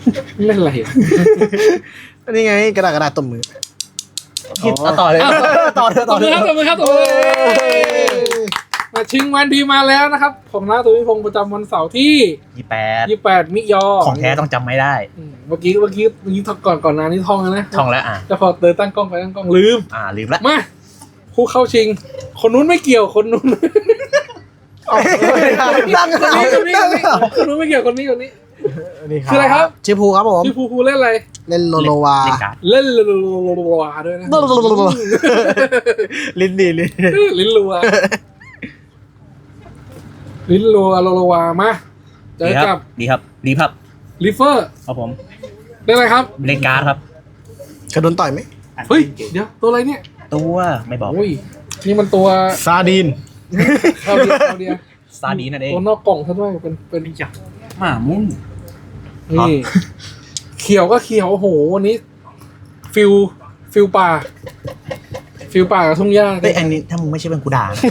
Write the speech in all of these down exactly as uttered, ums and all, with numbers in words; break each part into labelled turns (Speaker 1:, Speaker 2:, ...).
Speaker 1: เล่นอะไรอ่ะ
Speaker 2: นี่ไงกระดาษกระดาษตบมือ
Speaker 3: ต่อเลยต่อเลย
Speaker 1: ต
Speaker 3: ต่อบ
Speaker 1: มื
Speaker 3: เล
Speaker 1: อย ครับตบมือครับตบมือมาชิงวันดีมาแล้วนะครับของน้าตุวิพงศ์ประจำวันเสาร์ที่
Speaker 3: ยี่แปด
Speaker 1: ยี่สิบแปดมิยอ
Speaker 3: ของแท้ต้องจำไม่ได้
Speaker 1: อืมเมื่อกี้เมื่อกี้เมื่อกี้ก่อนก่อนหน้านี้ท่องแล้วนะ
Speaker 3: ท่องแล้วอ่ะ
Speaker 1: แต่พอเดินตั้งกล้องไปตั้งกล้องลืม
Speaker 3: อ่าลืมละ
Speaker 1: มาผู้เข้าชิง คนนู้นไม่เกี่ยวคนนู้น
Speaker 2: ตั้ง
Speaker 1: คน
Speaker 2: เอา
Speaker 1: นี้คนนี้
Speaker 2: ตั้ง
Speaker 1: คนนี้
Speaker 2: เอา
Speaker 1: คนนู้นไม่เกี่ยวคนนี้คนนี้
Speaker 2: นี่
Speaker 1: คืออะไรครับ
Speaker 2: ชื่อภูครับผม
Speaker 1: ชื่อภูภูเล่นอะไร
Speaker 2: เล่นโลโลวา
Speaker 3: เล่นการ์ด
Speaker 1: เล่นรัวๆด้วยนะ
Speaker 2: ลิ้นดีลิ้น
Speaker 1: ลิ้นรัวลิ้นรัวรัวๆมาเจ
Speaker 3: ดี
Speaker 1: อ
Speaker 3: ค
Speaker 1: กั
Speaker 3: รั
Speaker 1: บบ
Speaker 3: ดีครับดีครับ
Speaker 1: ลิเฟอร์
Speaker 3: ครับผม
Speaker 1: เล่นอะไรครับ
Speaker 3: เล่นการ์ดครับ
Speaker 2: เคยโดนต่อยไหม
Speaker 1: เฮ้ยเดี๋ยวตัวอะไรเนี่ย
Speaker 3: ตัวไม่บอก
Speaker 1: โอ้ยนี่มันตัว
Speaker 2: ซาดีน
Speaker 1: เข้าเดียวเข้าเดียว
Speaker 3: ซาดีนั่นเอง
Speaker 1: ตัวนอกกล่องซะด้วยเป็นเป็น
Speaker 3: จักหมามุ่ง
Speaker 1: นี่เขียวก็เขียวโอ้โหวันนี้ ฟิลฟิลป่า ฟิลป่ากับทุ่งหญ้า
Speaker 3: เฮ้ยอันนี้ถ้ามึงไม่ใช่เป็นกูด่านะ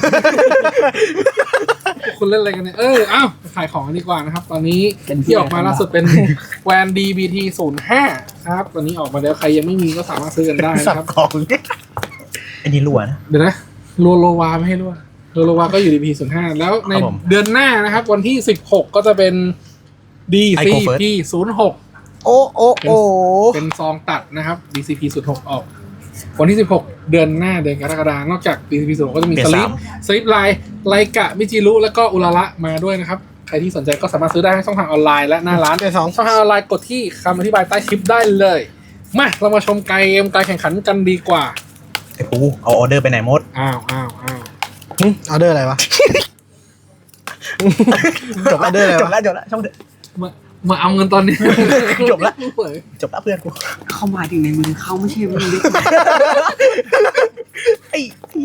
Speaker 1: คุณเล่นอะไรกันเนี่ยเอออ้าวขายของกันดีกว่านะครับ ตอนนี้ที่ออกมาล่าสุดเป็นแวน ดี บี ที ศูนย์ห้าครับตอนนี้ออกมาแล้วใครยังไม่มีก็สามารถซื้อกันได้
Speaker 3: สับ
Speaker 1: นะครับ
Speaker 3: ของอันนี้รัวนะ
Speaker 1: เดี๋ยวนะโลโลวาไม่ให้รั่วโลโลวาก็อยู่ ดี บี ศูนย์ห้าแล้วใน
Speaker 3: ครับผม
Speaker 1: เดือนหน้านะครับ วันที่สิบหกก็จะเป็น ดี ซี พี ศูนย์หก
Speaker 2: โอ้โอ้โอ้
Speaker 1: เป็นซองตัดนะครับ ดี ซี พี ศูนย์หกออก วันที่สิบหกเดือนหน้าเดือนกรกฎาคมนอกจาก ดี ซี พี ศูนย์หกก็จะมี
Speaker 3: เปลี่
Speaker 1: ส
Speaker 3: ยน
Speaker 1: ลิป
Speaker 3: สาม
Speaker 1: สลิปไลน์ไลกะมิจิรุแล้วก็อุระระมาด้วยนะครับ ใครที่สนใจก็สามารถซื้อได้ทั้งช่องทางออนไลน์และหน้าร้าน
Speaker 2: เป็นสอง
Speaker 1: ช่องทางออนไลน์กดที่คำอธิบายใต้คลิปได้เลย มาเรามาชมเกมการแข่งขันกันดีกว่า
Speaker 3: ไอ้ปูเอาออเดอร์ไปไหนหมด
Speaker 1: อ้าวอ้าวอ้าว
Speaker 2: หึออเดอร์อะไรวะ
Speaker 3: จบ
Speaker 2: ออเดอร์อะไร
Speaker 3: จบ
Speaker 2: วะ
Speaker 3: แล้วจบแล้วช่องเถอะ
Speaker 1: มามาเอาเงินตอนนี้
Speaker 3: จบละ จบแล้วเพื่อนกู
Speaker 4: เข้ามาถึงในมือเขาไม่ใช่มือเล็ก
Speaker 3: ไอ้พี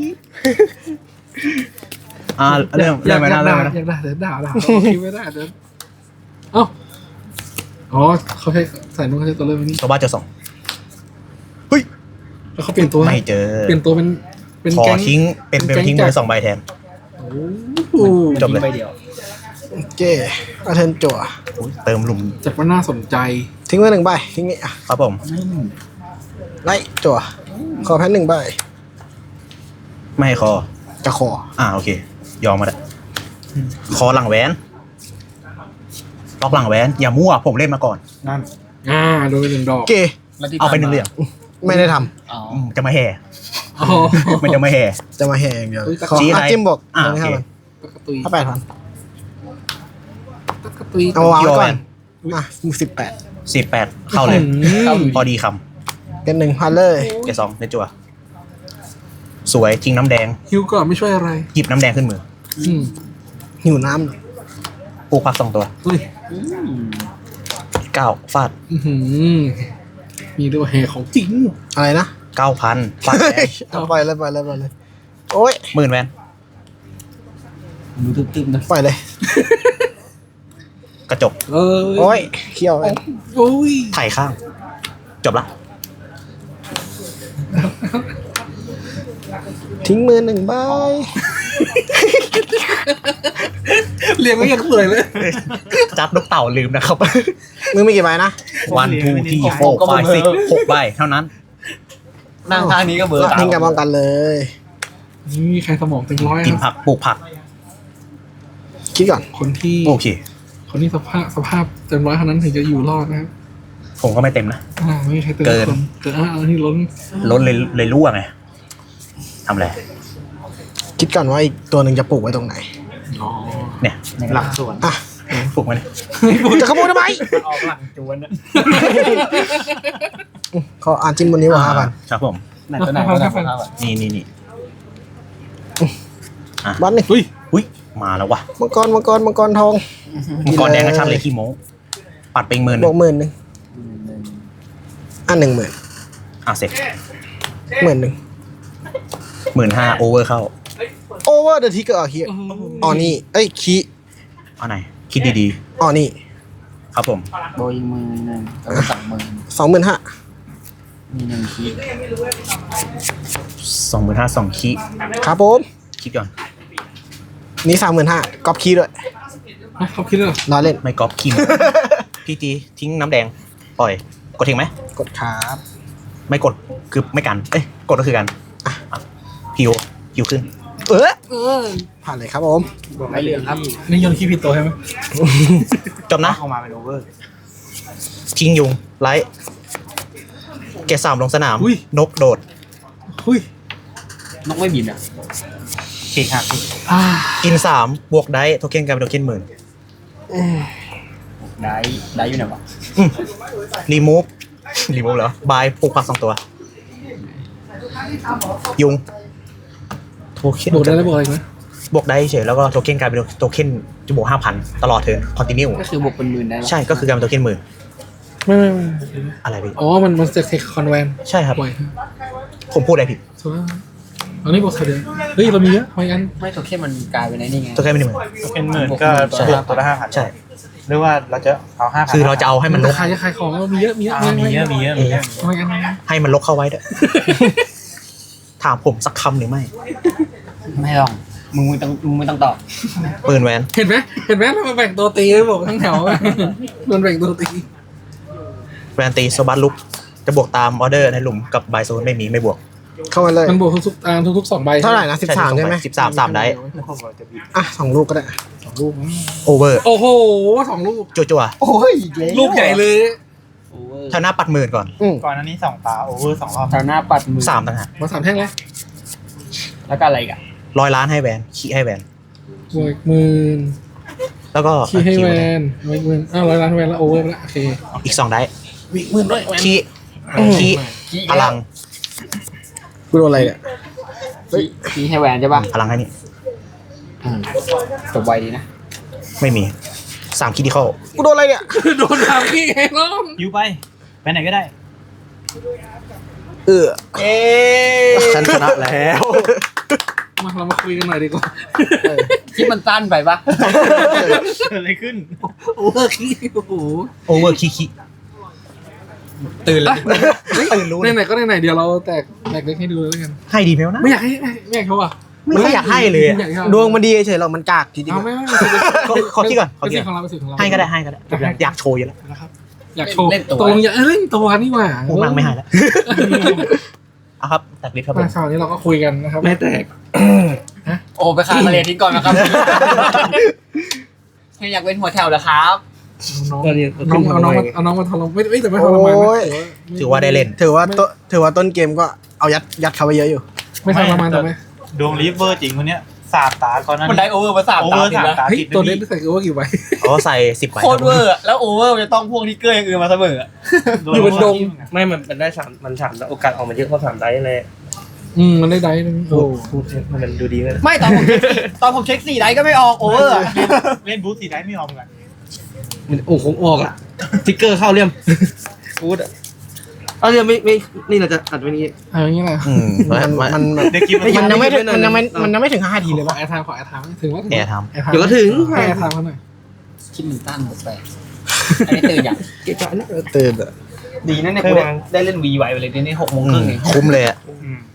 Speaker 3: อ่าเริ่ม
Speaker 1: อ
Speaker 3: เริ่
Speaker 1: ยาม ก
Speaker 3: ไป
Speaker 1: อยา
Speaker 3: นะ
Speaker 1: ก
Speaker 3: เริ่
Speaker 1: ด่าม
Speaker 3: ไปนะ
Speaker 1: อยากด่าเดี๋ยวด่าด่าเราคิดไม่ได้เดี๋ยวเอ้าอ๋อเขาใช้ใส่นุ่งเขาใช้ตัวเริ่มนี้
Speaker 3: ตัวบ้าเจอสอง
Speaker 1: แล้วเขาเปลี่ยนตัว
Speaker 3: ไม่เจอ
Speaker 1: เปลี่ยนตัวเป็นเป็น
Speaker 3: ขอ
Speaker 1: แก๊ง
Speaker 3: ทิ้งเป็นเป็นทิ้งมือสองใบแทน
Speaker 1: โอ้โห
Speaker 3: จบเลย
Speaker 4: ใบเดียว
Speaker 2: โอเคอาเทนจั่ว
Speaker 3: อุ๊ยเติมหลุม
Speaker 1: จัดว่าน่าสนใจ
Speaker 2: ทิ้งไว้หนึ่งใบทิ้งนี่อ่ะ
Speaker 3: ครับผม
Speaker 2: ไล่จั่วขอแพ้หนึ่งใบ
Speaker 3: ไม่ให้คอ
Speaker 2: จะขอ
Speaker 3: อ่าโอเค ยอมมาแล้วคอหลังแหวนล็อกหลังแหวนอย่ามั่วผมเล่นมาก่อน
Speaker 4: นั่น
Speaker 1: อ่าโดนไปหนึ่งดอก
Speaker 2: โอเค
Speaker 4: แล้วที่
Speaker 3: เอาไปหนึ่งเหลี่ยม
Speaker 2: ไม่ได้ท
Speaker 4: อ๋อ
Speaker 3: อืมจะมาแห่
Speaker 1: อ๋อ
Speaker 3: มันจะมาแห่
Speaker 2: ำจะมาแห่อย่างเดียว
Speaker 1: เฮ้ย
Speaker 2: ขอ
Speaker 3: ชี้อะไร
Speaker 2: อาจิ้มบอก
Speaker 3: อ่ะ
Speaker 2: ตรงนี้ครับ
Speaker 3: โอเค
Speaker 2: มัน
Speaker 1: ตะกะตุย
Speaker 2: ถ้าแปดพัน
Speaker 1: ตะกะตุย
Speaker 2: เอามาวางไว้ก่อน
Speaker 3: ยอม
Speaker 2: อ่ะสิบแปด
Speaker 3: สิบแปดเข้าเลย
Speaker 1: เข้า
Speaker 3: พอดีค
Speaker 2: เป็นหนึ่งพันเลย
Speaker 3: ำเกสองเนจัวสวยจริงน้ำแดง
Speaker 1: ฮิวก่อนไม่ช่วยอะไร
Speaker 3: หยิบน้ำแดงขึ้นมือ
Speaker 1: อืม
Speaker 2: หิวน้ำหน่อย
Speaker 3: ปลูกผักสองตัว
Speaker 1: เฮ้ย
Speaker 3: เก้าฟาด
Speaker 1: อื้อหือมีด้วยแห่ของจริง
Speaker 2: อะไรนะ
Speaker 3: เก้าพันฟาดแดง
Speaker 2: เอาปล่อยเลยปล่อยเลยปล่อยเลย โอ้ย
Speaker 3: หมื่นแวน
Speaker 4: มือตึ๊บๆนะ
Speaker 2: ปล่อยเลย
Speaker 3: กระจก
Speaker 1: เออ
Speaker 2: โอ้ยเขี้ยวเลย
Speaker 1: โอ้ย
Speaker 3: ไถ่ข้าง จบละ
Speaker 2: ทิ้งมือหนึ่งใบ
Speaker 1: เรียงไม่ยังเปื่อยเลย
Speaker 3: จับลูกเต่าลืมนะครับ
Speaker 2: มือมีกี่ใบนะ
Speaker 3: วันทูที่โฟร์ไฟซิกหกใบเท่านั้น
Speaker 4: นั่งข้างนี้ก็เบอร์สาม
Speaker 2: ทิ้งกับป้องกันเลย
Speaker 1: นี่ใครสมองเต็มร้อย
Speaker 3: กิน
Speaker 1: นะ
Speaker 3: ผักปลูกผัก
Speaker 2: คิดก่อน
Speaker 1: คนที่
Speaker 3: โอเค
Speaker 1: คนที่สภาพสภาพเต็มร้อยเท่านั้นถึงจะอยู่รอดนะครับ
Speaker 3: ผมก็ไม่เต็มนะ
Speaker 1: อ่าไม่มีใครเติม
Speaker 3: เกิน
Speaker 1: คนเกินอ่าอันนี้ล้น
Speaker 3: ล้นเลยเลยรั่วไงทำอะไร
Speaker 2: คิดก่อนว่าอีกตัวหนึ่งจะปลูกไว้ตรงไหน
Speaker 1: อ๋อ
Speaker 3: เนี่ย
Speaker 4: หลักส่วน
Speaker 2: อ่ะ
Speaker 3: ปลูกไว้เนี่ย
Speaker 2: จะขโมยทำไม
Speaker 4: ออกหลังจวนนะ
Speaker 2: ขออ่านจิ้มบนนี้ว่าห้าพัน
Speaker 3: ครับผม
Speaker 4: ไหนตัวไหนตัวไหนตัวไหนอ่ะ
Speaker 3: นี่นี่นี่
Speaker 2: บัตรหนึ่ง
Speaker 1: อุ้ย
Speaker 3: อุ้ยมาแล้ววะ
Speaker 2: มังกรมังกรมังกรทอง
Speaker 3: มังกรแดงกระชับเลยขี้โม้ปัดไปอีกหมื่นห
Speaker 2: บ
Speaker 3: นึ่
Speaker 2: ว
Speaker 3: ง
Speaker 2: กหมื่นหนึ่งอ่ะหนึ่งหมื่น
Speaker 3: อ่ะเสร็จ
Speaker 2: หมื่นหนึ่ง
Speaker 3: หมื่นห้าโอเวอร์เข้า
Speaker 2: โอเวอร์เดอะทิกเกอร์คีอ๋อนี่เอ้ยคี
Speaker 3: เอาไหนคิดดี
Speaker 2: อ๋อนี่
Speaker 3: ๆ ครับผม
Speaker 4: โบยมือหนึ่งแล้วก็สองมือ
Speaker 2: สองหมื่นห้า
Speaker 4: มีหนึ่งคีย์
Speaker 3: สองหมื่นห้าสองคี
Speaker 2: ครับผม
Speaker 3: คิดก่อน
Speaker 2: นี่สามหมื่นห้ากอบคีด้วย
Speaker 1: อ่ะเขาคิดเลยเหรอ
Speaker 2: รอเล่น
Speaker 3: ไม่ก๊อปคิม พี่จีทิ้งน้ำแดงปล่อยกดทิ้งไหม
Speaker 2: กดครับ
Speaker 3: ไม่กดคือไม่กันเอ้ยกดก็คือกันอ่ะอ่ะพิวพิวขึ้น
Speaker 2: เออ
Speaker 1: เออ
Speaker 2: ผ่านเลยครับผม
Speaker 4: ไม่เหลืองครับ
Speaker 1: นี่โยนขี้ผิดตัวใช่ไหม
Speaker 3: จบนะ
Speaker 4: เข้ามาเป็นโอเวอร์
Speaker 3: ทิ้งยุงไลท์เกรดสามลงสนาม นกโดด
Speaker 1: หุ้ย
Speaker 4: นกไม่บินอ่ะเก่งครับ
Speaker 1: อ่า
Speaker 3: กินสามบวกได้โทเค็นกลายเป็นโทเค็นหมื่น
Speaker 4: ได้ได้อยู่ไหนวะ
Speaker 3: รีมูฟรีมูฟเหรอบายปลูกผักสองตัว ยุงโทเค็น
Speaker 1: บวกได้แล้วบวกอะไรอีกไหม
Speaker 3: บวกได้เฉยแล้วก็โทเค็นกลายเป็นโทเค็นจะบวกห้าพันตลอดเทิร์นคอนติเนีย
Speaker 4: ก็คือบวกเป็นหมื่นได้
Speaker 3: ใช่ก็คือกลายเป็นโทเค็นหมื่น
Speaker 1: ไม่ไม่ไม่
Speaker 3: อะไรพี่
Speaker 1: อ๋อมันมันจะเทคคอนแวน
Speaker 3: ใช่ครับ
Speaker 1: บ่อย
Speaker 3: ผมพูดอะไรผิด
Speaker 1: ถูกไหมอันนี้บวกเท่าเดิมเฮ้ยเรามีเยอะทำไมกัน
Speaker 4: ไม่ตัวเข้มมันกลายเป็นไอ้นี่ไง
Speaker 3: โทเค็นไม่ได้หมื่น
Speaker 5: เป็นหมื่นก็บวกตัวละห้าพัน
Speaker 3: ใช่
Speaker 5: หรือว่าเราจะเอาห้าพัน
Speaker 3: คือเราจะเอาให้มันลก
Speaker 1: ขายจะขายของเรามีเยอะมีเยอะ
Speaker 5: อ่ามีเยอะมีเยอะมีเยอะ
Speaker 1: ทำไมกัน
Speaker 3: ให้มันลกเข้าไว้ด้วย ถามผมสักคำหรือไม่
Speaker 4: ไม่ต้องมึงไม่ต้องมึงไม่ต้องตอบ
Speaker 3: ปืนแวน
Speaker 1: เห็นไหมเห็นไหมทำไมแบ่งตัวตีเลยบอกทั้งแถวโดนแบ่งตัวตี
Speaker 3: แวนตีโซบัสลุกจะบวกตามออเดอร์ในหลุมกับบายโซนไม่มีไม่บวก
Speaker 2: เข้ามาเลย
Speaker 1: มันบวกทุกๆอ่าทุกๆสองใบ
Speaker 2: เท่าไหร่นะสิบสามใช่ไหม
Speaker 3: สิบสามสามได้
Speaker 2: อ่ะสองลูกก็ได้
Speaker 1: สองลูก
Speaker 3: โอเวอร์
Speaker 1: โอ้โหสองลูก
Speaker 3: จั่วจั่ว
Speaker 4: โอ้ย
Speaker 1: ลูกใหญ่เลย
Speaker 4: โอเวอร์
Speaker 3: ๆชาวหน้าปัดหมื่นก่อน
Speaker 2: อืม
Speaker 5: ก่อนอันนี้สองตาโอเวอร์สองรอบ
Speaker 4: แถวหน้าปัดมือ
Speaker 3: สามต่างหาก
Speaker 1: มาสามแท่งเลย
Speaker 4: แล้วก็อะไรอีกัน
Speaker 3: ร้อยล้านให้แวนขี้ให้แวน
Speaker 1: บวกหมื่น
Speaker 3: แล้วก็
Speaker 1: ขี้ให้แว
Speaker 3: คิ
Speaker 1: นไว้หมื่นอ้าวร้อยล้านแวนแล้วโอเวอร์ไปแล้วโอเค
Speaker 3: อีกสองได้
Speaker 1: วิหมื่นด้วยแวน
Speaker 3: ขี้ขี้พลัง
Speaker 2: กูโดนอะไรเนี่ย
Speaker 4: ขี้ขี้ให้แวนใช่ป่ะ
Speaker 3: พลังให้นี่
Speaker 4: อืมจบไวดีนะ
Speaker 3: ไม่มีสามคิดที่เข้า
Speaker 2: กูโดนอะไรเนี่ย
Speaker 1: โดนทำขี้ไงน้อง
Speaker 5: ยูไปไปไหนก็ได้
Speaker 2: เออ
Speaker 3: เอ๊ฉันชนะแล้ว
Speaker 1: มาเรามาคุยกันหน่อยดีกว่า
Speaker 4: ที่มันสั้นไปปะ
Speaker 5: เกิดอะไรขึ้น
Speaker 1: โอเวอร์ขี้โอ้โห
Speaker 3: โอเวอร์ขี้ขี้
Speaker 4: ตื่นแล้ว
Speaker 3: ตื่นรู้
Speaker 1: ไหนๆก็ไหนๆเดี๋ยวเราแตกแตกเล็กให้ดูแล้วกัน
Speaker 3: ให้ดีไหมวะนะ
Speaker 1: ไม่อยากให้ไม่อยากเขาอ่ะ
Speaker 3: ไม่อยากให้เลยอะ
Speaker 1: ไม่อยากให้
Speaker 2: ดวงมันดีเฉยๆหรอกมันกากทีเดียว
Speaker 1: เอาไม่ไม่
Speaker 3: ขอขอที่ก่อนขอ
Speaker 1: เป็น
Speaker 3: ที่
Speaker 1: สิท
Speaker 3: ก่
Speaker 1: ธิ์
Speaker 3: อน
Speaker 1: ของเราเป็นสิทธิ์ของเรา
Speaker 3: ให้ก็ได้ให้ก็ได้อยากโชว์อยู่แล้ว
Speaker 1: นะครับอยากโชว์ตกลงอยากเล่นตัวนี่หว่า
Speaker 3: พวกมังไม่ให้แล้วเอาครับตัดลิฟต์ครับผม
Speaker 1: มาคราวนี้เราก็คุยกันนะครับไม่แตก
Speaker 4: โอ้ไปคามาเรียนทิ้งก่อนนะครับอยากเป็นหัวแถวเหรอครับ
Speaker 1: น้องน้องเอาน้องมาเอาน้องมาทรมานไม่ไม่แต่ไม่ทรมาน
Speaker 2: โอ้ย
Speaker 1: นะ
Speaker 3: ถือว่าได้เล่น
Speaker 2: ถือว่าต้นถือว่าต้นเกมก็เอายัดยัดเขาไปเยอะอยู่
Speaker 1: ไม่ทรมานทำไม
Speaker 5: ดวงลิฟเวอร์จริงคนเนี้ยสามตาก่อนนั้น
Speaker 4: มันได้โอเวอร์มาสาม
Speaker 5: โอ
Speaker 4: ตา
Speaker 5: เวอร์
Speaker 4: ติด
Speaker 5: สาม
Speaker 4: แล้ว
Speaker 5: ตา
Speaker 1: เฮ้ย
Speaker 5: ติด
Speaker 1: ตัว
Speaker 5: เล
Speaker 1: เล่
Speaker 5: ย
Speaker 1: นใส่กูว่ากี่ใบ
Speaker 3: เขาใส่สิบใบ
Speaker 4: โคตรเวอร์อะแล้วโอเวอร์จะต้องพวกทิกเกอร์อย่างอื่นมาเสมออะ
Speaker 1: อยู่บนดง
Speaker 6: ไม่ มันมันได้สามมันสามโอกาสออกมาเยอะเพราะสามได้เลย
Speaker 1: อืมมันได้ได้นึง
Speaker 6: พู
Speaker 1: โอ้
Speaker 6: ดพูดให้มันดูดีเลย
Speaker 4: ไม่ตอนผมเช็คสี่ตอนผมเช็คสี่ได้ก็ไม่ออกโอเวอร์อะ
Speaker 5: เล่นบูธสีได้ไม่ยอมกัน
Speaker 6: มันโอ้คงออกอ่ะทิกเกอร์เข้าเรียมพูดอ่ะเอาเรียมไม่ไม่นี่เราจะอัดไว้นี้
Speaker 1: เอาอย่างนี้แหละ
Speaker 3: อืม
Speaker 2: มันมันแบบ
Speaker 5: เด็กกินมัน
Speaker 2: มันยังไม่ถึงมันยังไม่มันยังไม่ถึงห้าทีเลย
Speaker 1: ขอ
Speaker 2: วะ
Speaker 1: แอร์ไทม์ขอแอร์ไทม์ถึงว่า
Speaker 3: แอร์ท
Speaker 1: แอร์ไทม์
Speaker 6: เดี๋ยวก็ถึง
Speaker 1: ให้แอร์ไทม์เขาหน่อย
Speaker 4: คิดมันตั้นหมดไปอันนี้ตื่นอย่าง
Speaker 6: เกะกะนะ
Speaker 2: ตื่นอะ
Speaker 4: ดีนะเนี่ยกูได้ได้เล่นวีไวไปเลยนี่หกโม
Speaker 3: ำ
Speaker 4: ง
Speaker 3: อื
Speaker 4: ครึ่
Speaker 3: ม
Speaker 4: งเอง
Speaker 3: คุ้มเลยอะ
Speaker 5: อืม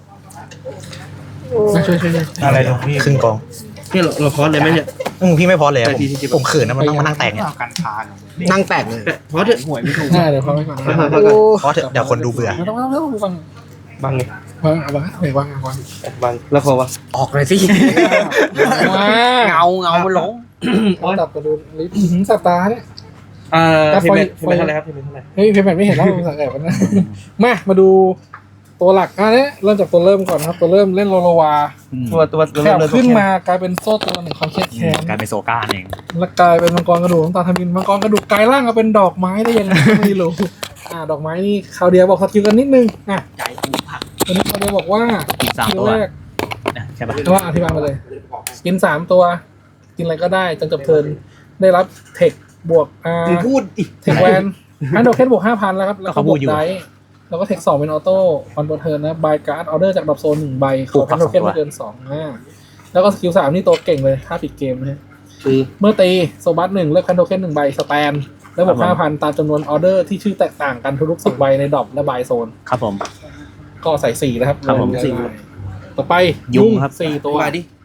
Speaker 1: มาช่วยช่วยช่วย
Speaker 5: อะไรดวงพี่
Speaker 3: ครึ่งกอง
Speaker 6: นี่เราเราคอร์สเลยไหมเนี่ย
Speaker 3: อืมพี่ไม่พอเลยอะผม
Speaker 6: แต่ทีที่สิบ
Speaker 3: ผมเขินนะมันต้องมานั่งแตกเนี่ย
Speaker 5: เอากันพาน
Speaker 2: นั่งแตกเลย
Speaker 6: แต่คอร์สเถอะ
Speaker 4: หวยไม่ถูก
Speaker 1: ได้เดี๋ยวเขาไปก่อน
Speaker 2: โอ้
Speaker 3: เพราะเถอะเดี๋ยวคนดูเบื่อ
Speaker 1: ไม่ต้องไม่ต้องไม่ต้องฟัง
Speaker 6: บังไง
Speaker 1: วางเอาวางเอาวางเอาวาง
Speaker 6: บังแล้วคอวะ
Speaker 4: ออกเลยสิ
Speaker 1: ว้า
Speaker 4: เงาเงามันหลง
Speaker 1: ตัดกระดูลิฟต์สัตตาเนี่ย
Speaker 6: อ่า
Speaker 1: แต่
Speaker 6: ที
Speaker 1: ไฟ
Speaker 6: มเมท
Speaker 1: ไฟ
Speaker 6: ทีมเมทเท่าไหร่ครับทีมเมทเท่าไหร่
Speaker 1: เฮ้ยเพย์แมนไม่เห็นแล้วมันสังเกตมันนะมามาดูตัวหลักอ่ะเนี่ยเริ่มจากตัวเริ่มก่อนครับ ตัวเริ่มเล่นโลโลวา
Speaker 6: ตัวตัวตัว
Speaker 1: แข
Speaker 6: เริ่ม
Speaker 1: บ
Speaker 6: เลย
Speaker 1: ขึ้นมากลายเป็นโซ่ตัวหนึ่งความเครียดแค้น
Speaker 3: กลายเป็นโซก้าเอง
Speaker 1: แล้วกลายเป็นมังกรกระดูกน้ำตาลทมินมังกรกระดูกกลายร่างมาเป็นดอกไม้ได้ยังไงก็ไม่รู้อ่าดอกไม้นี่คราวเดียวบอกสกิลกันนิดนึงอ่ะ
Speaker 4: ใจกูผัก
Speaker 1: ตัวนี้คราวเดียวบอกว่า
Speaker 3: อีกสาม
Speaker 1: คิว
Speaker 3: ตัว
Speaker 1: แรก
Speaker 3: ใช่ปะ
Speaker 1: แต่ว่าอธิบายมาเลย กินสามตัว กินอะไรก็ได้จนจบเทิร์นได้รับเทคบวกอ่า
Speaker 6: มึงพูดอีก
Speaker 1: เทคแวนอันโดเคนบวกห้าพันแล้วครับแล้วก็บวกไดส์แล้วก็เทคสองเป็นออโต้ออนโบเทิร์นนะบายการ์ดออเดอร์จากดรอปโซนหนึ่งใบขออันโดเคนไม่เกินสองอ่าแล้วก็สกิลสามนี่ตัวเก่งเลยถ้าปิดเกมนะฮะ
Speaker 6: คือ
Speaker 1: เมื่อตีโซบัสหนึ่งเลือกคันโดเคนหนึ่งใบสแตนแล้วบวกห้าพันตามจำนวนออเดอร์ที่ชื่อแตกต่างกันทุกๆสิบใบในดรอปและบายโซน
Speaker 3: ครับผม
Speaker 1: ก็ใส่สี่นะครับ
Speaker 3: ครับผม
Speaker 1: สี่ต่อไป
Speaker 3: ยุงครับ
Speaker 1: สี่ตัว
Speaker 6: มาดิ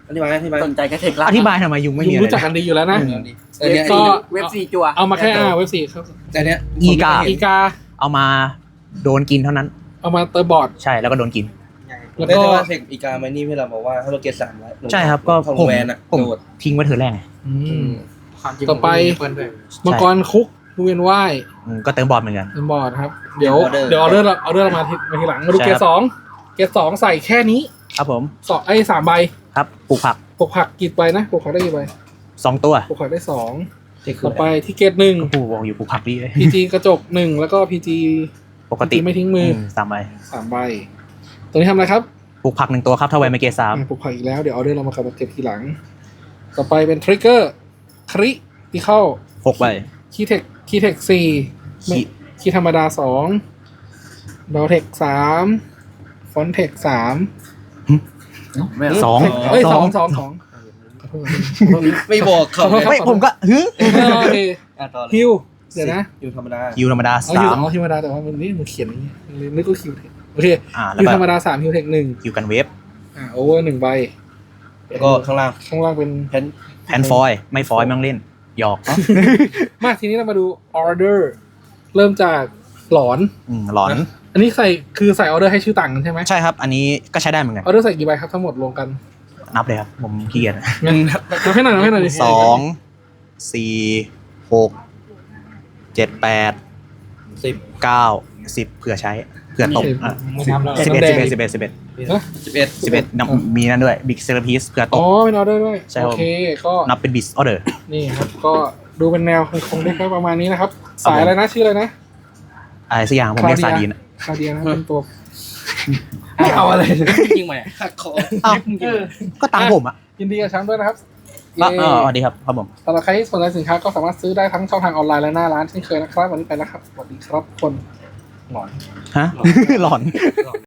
Speaker 6: อธิบายอธิบาย
Speaker 4: สนใจก็เทคละ
Speaker 3: อธิบายทำไมยุงไม่
Speaker 1: ยุ
Speaker 3: มี
Speaker 1: ง
Speaker 3: อะไร
Speaker 1: รู้จักกันดีอยู่แล้วนะ
Speaker 6: แต่เนี้ย
Speaker 1: ก็
Speaker 4: เว็บสี่จัว
Speaker 1: เอามาแค่อ่าเว็บสี่ครับ
Speaker 6: แต่เนี้ย
Speaker 3: อีกา
Speaker 1: อีกา
Speaker 3: เอามาโดนกินเท่านั้น
Speaker 1: เอามาเตอร์บอร์ด
Speaker 3: ใช่แล้วก็โดนกิน
Speaker 1: แล้ว
Speaker 6: ได้
Speaker 1: ก็
Speaker 6: แต่ว่าเทคอีกามานี่พี่เราบอกว่าถ้าเราเกตสามร้อย
Speaker 3: ใช่ครับก็
Speaker 6: ของ
Speaker 3: ผม
Speaker 6: แวนอะ
Speaker 3: ผม
Speaker 6: โดด
Speaker 3: ทิ้งไว้เธอแรกไง
Speaker 1: อืม
Speaker 5: ความจริง
Speaker 1: ต่อไป
Speaker 5: เปิ้ลด้วย
Speaker 1: มังกรคุกดูเวียนว่าย
Speaker 3: อืมก็เติมบอลเหมือนกัน
Speaker 1: เตอร์บอร์ดครับเดี๋ยวเดี๋ยวออเดอร์เราออเดอร์เรามาทีมาทีหลังมาดู
Speaker 3: ใช่
Speaker 1: เก
Speaker 3: ครั
Speaker 1: ร
Speaker 3: บ
Speaker 1: ดสองเกรดสองใส่แค่นี้
Speaker 3: ครับผม
Speaker 1: สองไอ้สามใบ
Speaker 3: ครับปลูกผัก
Speaker 1: ปลูกผักกี่ใบนะปลูกผักได้กี่ใบ
Speaker 3: สองตัว
Speaker 1: ปลูกผักได้สอง
Speaker 6: เทคคือ
Speaker 1: ต่อไปที่เกรดหนึ่ง
Speaker 3: ก็ปลูกบอกอยู่ปลูกผักดีเลย
Speaker 1: พีจีกระจกหนึ่งแล้วก็พีจี
Speaker 3: ปกติ
Speaker 1: ไม่ทิ้งมืออ
Speaker 3: มสามใบ
Speaker 1: สามใบตัวนี้ทำอะไรครับ
Speaker 3: ปลูกผักหนึ่งตัวครับถ้าไวไม่เกสาม
Speaker 1: อ่ะปลูกผักอีกแล้วเดี๋ยวออเดอร์เรามาขับเก็บทีหลัง ต่อไปเป็นทริกเกอร์คริที่เข้า
Speaker 3: หกใบ
Speaker 1: คีเทคคีเทคสี่
Speaker 3: คี
Speaker 1: คีธรรมดาสองดอเทคสามฟอนเทคสาม
Speaker 3: สอง
Speaker 1: เอ้ยสองสองสองขอโทษ
Speaker 6: ไม่บอกเขา
Speaker 1: ขอโทษครับ
Speaker 3: ไม่ผมก็ฮึ
Speaker 1: โอเค
Speaker 6: อ่ะต่อเลย
Speaker 1: ฮิวเดี๋ยวนะ
Speaker 6: อยู่ธรรมดา
Speaker 3: คิวธรรมดา
Speaker 1: เอา
Speaker 3: สา
Speaker 1: ฮิว
Speaker 3: ม
Speaker 1: เอาฮิวธรรมดาแต่ว่ามันนี่มันเขียนอย่างนี้เลยนึกว่าคิวเทคโอเค
Speaker 3: อ่าแล้ว
Speaker 1: ฮิว
Speaker 3: ก็
Speaker 1: ธรรมดาสามฮิวเทคหนึ่ง
Speaker 3: คิวกันเวฟ
Speaker 1: อ่าโอเวอร์หนึ่งใบ
Speaker 6: แล้วก็ข้างล่าง
Speaker 1: ข้างล่างเป็น
Speaker 6: แพน
Speaker 3: แพนฟอยล์ไม่ฟอยล์ไม่ต้องเล่นหยอก
Speaker 1: มาทีนี้เรามาดูออเดอร์เริ่มจากหลอน
Speaker 3: อืมหลอน
Speaker 1: อันนี้ใส่คือใส่ออเดอร์ให้ชื่อต่างกันใช่ไหม
Speaker 3: ใช่ครับ อันนี้ก็ใช้ได้เหมือนกัน
Speaker 1: ออเดอร์ใส่กี่ใบครับทั้งหมดรวมกัน
Speaker 3: นับเลยครับ ผมขี้เกียจ
Speaker 1: นับให้หน่อยนับให้หน่อยดิ
Speaker 3: สองสี่หกเจ็ดแปด
Speaker 6: สิบ
Speaker 3: เก้าสิบเผื่อใช้เผื่อตกอ่ะ
Speaker 5: ไม่นับแล้ว
Speaker 3: สิบเอ็ดสิบเอ็ดสิบเอ็ดสิบเอ็ด
Speaker 6: สิบเอ็ด
Speaker 3: สิบเอ็ดนับมีนั่นด้วยบิ๊กเซอร์พีสเผื่อต
Speaker 1: อ๋อก เป็นออเดอร์ด้วย
Speaker 3: ใช่ครับ
Speaker 1: โอเคก็
Speaker 3: นับเป็นบิสออเดอร์
Speaker 1: นี่ครับก็ดูเป็นแนวคงได้แค่ประมาณนี้นะครับ สายอะไรนะชื่ออะไรนะ
Speaker 3: อะไรสักอย่างผมเรียกซาดีน
Speaker 1: คาเดียนะเป็นตัว
Speaker 6: ไม่เอาอะไรเลยจริงไหมหักคอ
Speaker 3: อ้าวก็ตังค์ผมอ่ะ
Speaker 1: ยินดีกับแชมป์ด้วยนะครับ
Speaker 3: ก็
Speaker 1: เย้
Speaker 3: เออสวัสดีครับครับผม
Speaker 1: สำหรับใครที่สนใจสินค้าก็สามารถซื้อได้ทั้งช่องทางออนไลน์และหน้าร้านเช่นเคยนะครับวันนี้ไปแล้วครับสวัสดีครับทุกคนหลอน
Speaker 3: ฮะ หลอน